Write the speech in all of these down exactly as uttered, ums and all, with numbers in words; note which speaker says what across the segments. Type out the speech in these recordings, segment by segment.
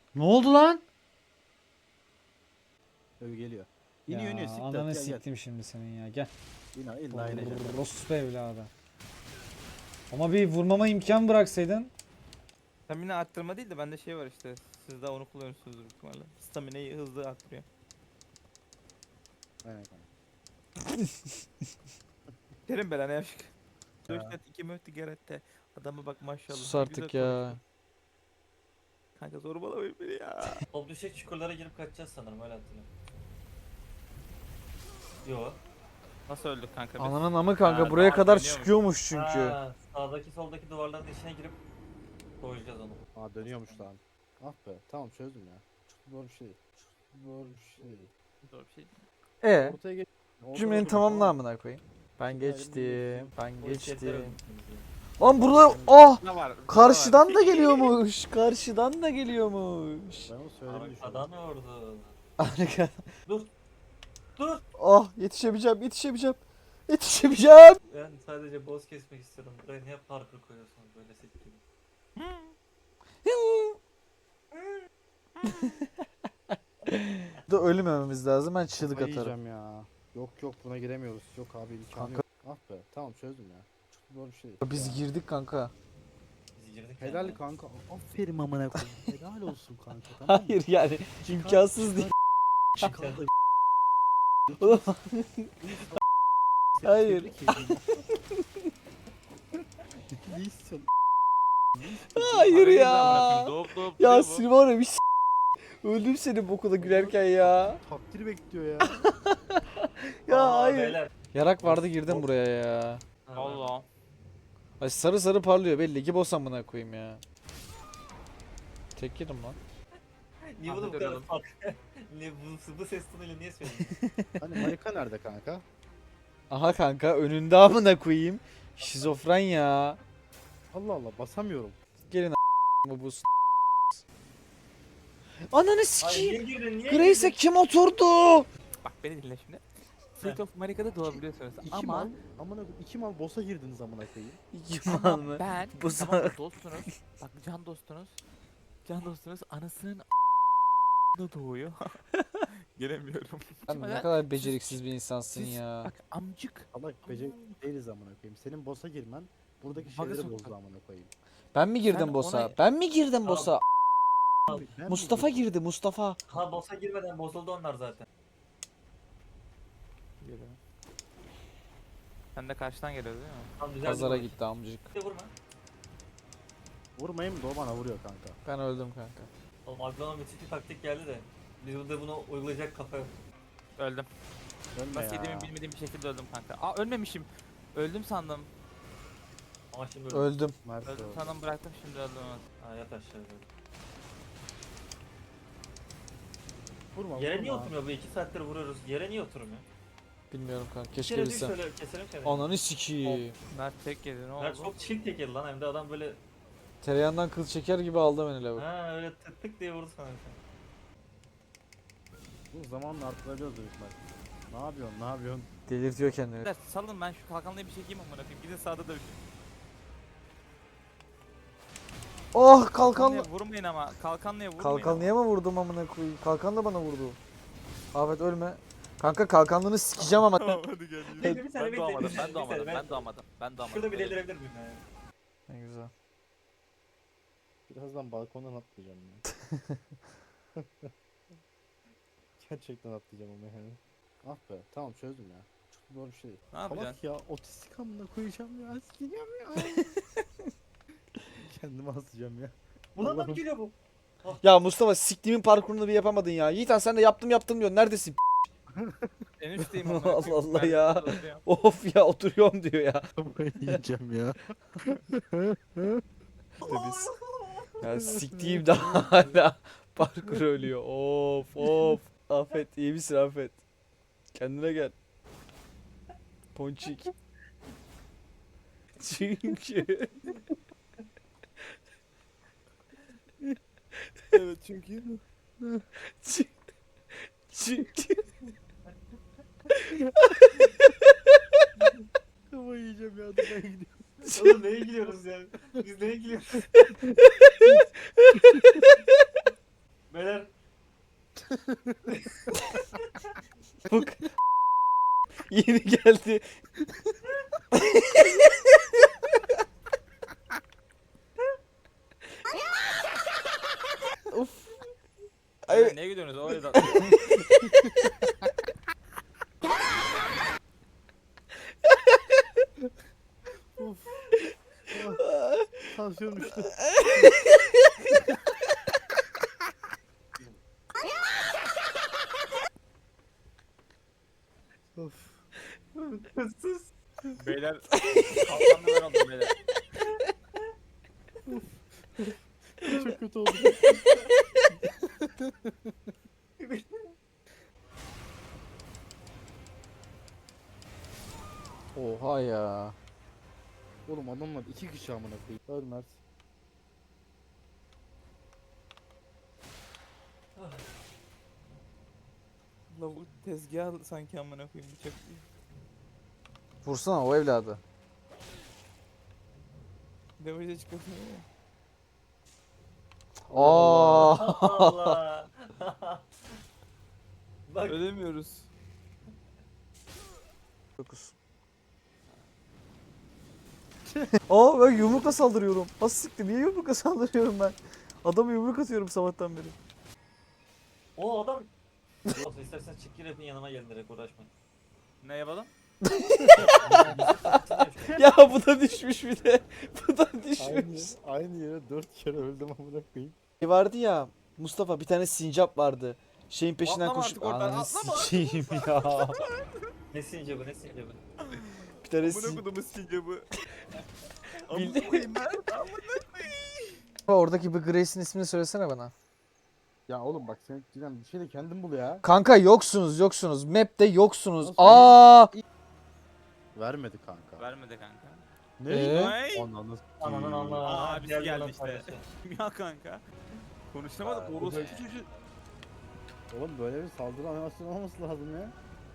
Speaker 1: Ne oldu lan?
Speaker 2: Öv geliyor. İniyor
Speaker 1: Ya
Speaker 2: iniyor siktir.
Speaker 1: ananı
Speaker 2: Gel gel.
Speaker 1: siktim şimdi senin ya. Gel.
Speaker 2: İna illa inecek.
Speaker 1: Rospu evladı. Ama bir vurmama imkan bıraksaydın.
Speaker 3: Stamina arttırma değil de bende şey var işte. Siz de onu kullanıyorsunuz büyük ihtimalle. Stamina'yı hızlı arttırıyor.
Speaker 2: Aynen kanka.
Speaker 3: Derim belanı yaşık.
Speaker 2: Ya.
Speaker 3: Dört iki möhtü gerette. Adama bak maşallah.
Speaker 1: Sus
Speaker 3: ne
Speaker 1: artık
Speaker 3: güzel
Speaker 1: ya.
Speaker 3: konuştu. Kanka zorbalamayın beni ya.
Speaker 4: O düşük çukurlara girip kaçacağız sanırım öyle hatırlıyorum. Yo.
Speaker 3: Nasıl öldük kanka biz?
Speaker 1: Ananın amı kanka
Speaker 3: Ha,
Speaker 1: buraya
Speaker 3: tamam,
Speaker 1: kadar
Speaker 3: dönüyor mu?
Speaker 1: çıkıyormuş çünkü.
Speaker 4: Ha, sağdaki soldaki duvarların içine girip koyacağız onu.
Speaker 2: Aa dönüyormuş lan. Ah be tamam çözdüm ya. Çok zor bir şey. Çok zor bir şey.
Speaker 3: Zor bir şey.
Speaker 1: E
Speaker 2: Ortaya geç. Ortada
Speaker 1: cümlenin
Speaker 2: durun,
Speaker 1: tamamını
Speaker 2: tamam mı?
Speaker 1: amına koyayım. Ben
Speaker 2: Şimdi
Speaker 1: geçtim.
Speaker 2: ayrılmayın.
Speaker 1: Ben
Speaker 4: O içerikler
Speaker 1: geçtim.
Speaker 4: öldürdünüz ya.
Speaker 1: Lan burada ah
Speaker 3: Ne var?
Speaker 1: karşıdan da geliyormuş. Karşıdan da geliyormuş.
Speaker 2: Ben onu söylemeyi düşünüyorum.
Speaker 4: Arkadan ordu.
Speaker 1: Arka.
Speaker 4: Dur. Dur.
Speaker 1: Ah yetişebileceğim yetişebileceğim. Yetişebileceğim.
Speaker 4: Ben sadece boss kesmek istiyorum. Buraya niye parkur koyuyorsunuz böyle sektiğini?
Speaker 1: Da ölmememiz lazım. Ben çığlık
Speaker 2: Kafayı
Speaker 1: atarım.
Speaker 2: yiyeceğim ya. Yok yok buna giremiyoruz. Yok abi imkanı
Speaker 1: Kanka-
Speaker 2: yok. Ah be tamam çözdüm ya. Çok zor bir şey.
Speaker 1: Biz
Speaker 2: Ya.
Speaker 1: girdik kanka.
Speaker 4: Biz girdik
Speaker 2: Helal
Speaker 4: yani.
Speaker 2: kanka. Aferin amına koyayım. Helal olsun kanka tamam mı?
Speaker 1: Hayır yani imkansız değil.
Speaker 2: Çıkar da
Speaker 1: Oğlum, Hayır.
Speaker 2: Tebrik ederim. Ne istiyorsun?
Speaker 1: Hayır
Speaker 3: Arayı
Speaker 1: ya.
Speaker 3: da bırakın, Doğup doğup
Speaker 1: Ya
Speaker 3: duruyor bu.
Speaker 1: seni var ya bir s- öldüm seni bu okula gülerken ya.
Speaker 2: Takdir bekliyor ya.
Speaker 1: Ya
Speaker 4: Vallahi
Speaker 1: hayır.
Speaker 4: beyler.
Speaker 1: Yarak vardı girdim buraya ya.
Speaker 4: Ha,
Speaker 3: Allah.
Speaker 1: Ay sarı sarı parlıyor belli ki boss amına koyayım ya. Tek yedim lan.
Speaker 4: Niye bunu bu
Speaker 3: Ahmet
Speaker 4: kadar
Speaker 3: arayalım.
Speaker 4: fark? Niye bu, bu ses tonuyla niye söyledin?
Speaker 2: Hani Marika nerede kanka?
Speaker 1: Aha kanka önünde amına koyayım. Şizofren ya.
Speaker 2: Allah Allah basamıyorum.
Speaker 1: Gelin a**ımı bu s- Ananı
Speaker 4: Ay niye
Speaker 1: sikeyim.
Speaker 4: girdin niye
Speaker 1: Grace'e
Speaker 4: girdin?
Speaker 1: kim oturdu?
Speaker 3: Bak beni dinle şimdi. Fleet of Marika'da doğabiliyorsunuz
Speaker 2: İki
Speaker 3: ama
Speaker 2: mal amına koyayım, iki mal boss'a girdiniz amına koyayım.
Speaker 1: Yaman
Speaker 3: ama
Speaker 1: mı?
Speaker 3: ben
Speaker 1: Bu
Speaker 3: Bu tamam
Speaker 1: sa-
Speaker 3: dostunuz. Bak can dostunuz. Can dostunuz anasının da doğuyor. Gelemiyorum.
Speaker 1: Sen ne
Speaker 3: Siz-
Speaker 1: kadar beceriksiz bir insansın
Speaker 3: siz-
Speaker 1: ya.
Speaker 3: Bak amcık.
Speaker 2: Allah beceri değiliz amına koyayım. Senin boss'a girmen buradaki şeyleri
Speaker 3: Magazin-
Speaker 2: bozdu amına koyayım.
Speaker 1: Ben mi girdim
Speaker 3: Sen
Speaker 1: boss'a?
Speaker 3: ona-
Speaker 1: Ben mi girdim boss'a?
Speaker 2: Ben mi
Speaker 1: Mustafa
Speaker 2: girdim?
Speaker 1: girdi Mustafa.
Speaker 4: Ha boss'a girmeden bozuldu onlar zaten.
Speaker 3: Geliyorum. Sen de karşıdan geliyor değil mi?
Speaker 4: Tam güzel
Speaker 1: Pazara
Speaker 4: bir
Speaker 1: gitti amcık.
Speaker 4: gitti. Vurma.
Speaker 2: Vurmayayım da o bana vuruyor kanka.
Speaker 1: Ben öldüm kanka.
Speaker 4: Oğlum aklıma müthiş bir taktik geldi de. Biz burada bunu uygulayacak kafa yok.
Speaker 3: Öldüm.
Speaker 2: Ölme
Speaker 3: Nasıl
Speaker 2: ya.
Speaker 3: yediğimi bilmediğim bir şekilde öldüm kanka. Aa ölmemişim. Öldüm sandım.
Speaker 4: Ama şimdi öldü.
Speaker 1: Öldüm.
Speaker 2: Mert
Speaker 3: Öldüm
Speaker 2: öldü.
Speaker 3: sandım bıraktım şimdi öldüm.
Speaker 4: Ha yat aşağı böyle.
Speaker 2: Vurma
Speaker 4: Yere niye
Speaker 2: vurma.
Speaker 4: oturmuyor bu iki saattir vuruyoruz. Yere niye oturmuyor?
Speaker 1: Bilmiyorum kanka.
Speaker 4: Bir
Speaker 1: Keşke
Speaker 4: kere düş
Speaker 1: bilsem.
Speaker 4: şöyle keselim seni.
Speaker 1: Ananı sikiyim.
Speaker 3: Mert tek yedi ne
Speaker 4: Mert
Speaker 3: oldu?
Speaker 4: çok çilik tekeli lan hem de adam böyle
Speaker 1: Tereyağından kıl çeker gibi aldı beni lavuk.
Speaker 4: ha öyle tık tık diye vurdu sana. bir tane.
Speaker 2: Bu zamanla arttırabiliyoruz büyük ihtimal. Ne yapıyorsun ne yapıyorsun?
Speaker 1: Delirtiyor kendini.
Speaker 3: Beyler, salın ben şu kalkanlıya bir çekeyim amına koyayım. Gidin sağda dövüşün.
Speaker 1: Oh kalkanlı.
Speaker 3: Kalkanlıya vurmayın ama. Kalkanlıya vurmayın.
Speaker 1: Kalkanlıya mı vurdum amına koyayım? Kalkan da bana vurdu. Ahmet ölme. Kanka kalkanlığını sikeceğim ama.
Speaker 3: Tamam hadi gel.
Speaker 4: Bekle bir saniye
Speaker 3: Ben
Speaker 4: bekle.
Speaker 3: doğamadım,
Speaker 4: bir
Speaker 3: ben
Speaker 4: saniye,
Speaker 3: doğamadım,
Speaker 4: bir
Speaker 3: ben
Speaker 4: saniye.
Speaker 3: doğamadım, ben doğamadım.
Speaker 4: Şurada bir delirebilir miyim yani?
Speaker 1: Ne güzel.
Speaker 2: Birazdan balkondan atlayacağım ya. Gerçekten atlayacağım ama yani. Ah be tamam çözdüm ya. Çok zor bir şey.
Speaker 3: Ne yapacaksın?
Speaker 2: Salak ya otistik amına koyacağım ya. Sikeceğim ya. Kendimi asacağım ya.
Speaker 4: Buna
Speaker 2: Allah'ım.
Speaker 4: mı geliyor bu?
Speaker 1: Ya Mustafa siktiğimin parkurunu bir yapamadın ya. Yiğitan sen de yaptım yaptım diyor. Neredesin?
Speaker 3: En üstteyim amına
Speaker 1: Allah
Speaker 3: koyayım.
Speaker 1: Allah
Speaker 3: Ben
Speaker 1: ya.
Speaker 3: de oturuyorum.
Speaker 1: Of ya oturuyorum diyor ya.
Speaker 2: Kafayı yiyeceğim ya.
Speaker 1: Biz. Ya siktiğim daha hala parkur ölüyor. Of of. Afet iyi misin Afet? Kendine gel. Ponçik. Çünkü.
Speaker 2: Evet çünkü.
Speaker 1: Çünkü.
Speaker 2: Kafayı yiyeceğim ya. Dur ben gidiyorum.
Speaker 4: Oğlum neye gülüyoruz ya? Biz neye gülüyoruz?
Speaker 1: Bak. Yeni geldi. Of.
Speaker 3: Ay.
Speaker 1: Ay,
Speaker 3: Neye gidiyorsunuz? O yüzden.
Speaker 2: Uf. Tansiyon düştü. Of.
Speaker 4: Sus.
Speaker 3: Beyler. Kalkanlı ben oldum beyler.
Speaker 2: Çok kötü oldu.
Speaker 1: Oha ya.
Speaker 2: Oğlum adamlar iki kişi amına koyayım. Öl Mert.
Speaker 3: Lavuk tezgah sanki amına koyayım bıçak değil.
Speaker 1: Vursana o evladı.
Speaker 3: Damage'e çıkasın ya.
Speaker 1: Aa.
Speaker 4: Allah. Bak
Speaker 3: Ölemiyoruz.
Speaker 1: dokuz. Aa ben yumrukla saldırıyorum. Nasıl siktir? Niye yumrukla saldırıyorum ben? Adamı yumruk atıyorum sabahtan beri.
Speaker 4: o adam. Olsun istersen çık gir hepin yanıma gelin direkt uğraşmayın.
Speaker 3: Ne yapalım?
Speaker 1: Ya bu da düşmüş bir de. Bu da
Speaker 2: Aynı,
Speaker 1: düşmüş.
Speaker 2: aynı yere dört kere öldüm amına koyayım.
Speaker 1: Şey vardı ya Mustafa bir tane sincap vardı. Şeyin peşinden
Speaker 3: Atlama
Speaker 1: koşup
Speaker 3: artık oradan,
Speaker 1: ananı
Speaker 3: atlama.
Speaker 1: sikeyim ya.
Speaker 4: Ne since bu ne since bu.
Speaker 1: Bir tane
Speaker 3: Amına
Speaker 1: sin...
Speaker 3: kodumu sincabı.
Speaker 1: Bildi-
Speaker 3: Amına koyayım ben.
Speaker 1: Oradaki bir Grace'in ismini söylesene bana.
Speaker 2: Ya oğlum bak sen cidden bir şey de kendin bul ya.
Speaker 1: Kanka yoksunuz yoksunuz. Map'te yoksunuz.
Speaker 2: Nasıl
Speaker 1: Aa!
Speaker 2: Vermedi kanka.
Speaker 3: Vermedi kanka.
Speaker 2: Ne?
Speaker 1: Ee?
Speaker 3: Ay.
Speaker 2: Ananı
Speaker 4: Ananın Allah.
Speaker 3: Aa, abisi geldi işte. Ya kanka. Konuşamadık
Speaker 4: Aa,
Speaker 3: orospu
Speaker 2: bu-
Speaker 3: çocuğu.
Speaker 2: Oğlum böyle bir saldırı animasyonu olması lazım ya.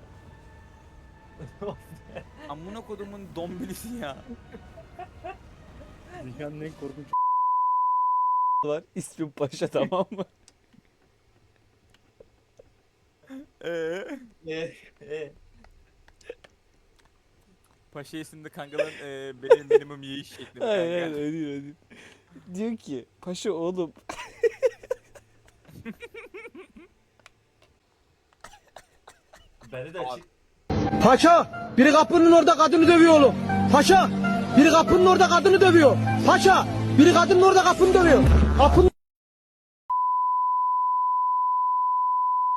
Speaker 3: Amına kodumun dombilisi ya.
Speaker 2: Dünyanın en korkunç
Speaker 1: var. İsmim Paşa tamam mı?
Speaker 3: Eee?
Speaker 4: E e.
Speaker 3: Paşa isimli kankaların eee benim minimum yiyiş şekli.
Speaker 1: Hayır hayır öyle değil öyle değil. Diyor ki Paşa oğlum.
Speaker 4: Beni de çık.
Speaker 5: Paşa, biri kapının orada kadını dövüyor oğlum. Paşa, biri kapının orada kadını dövüyor. Paşa, biri kadının orada kapını dövüyor. Kapının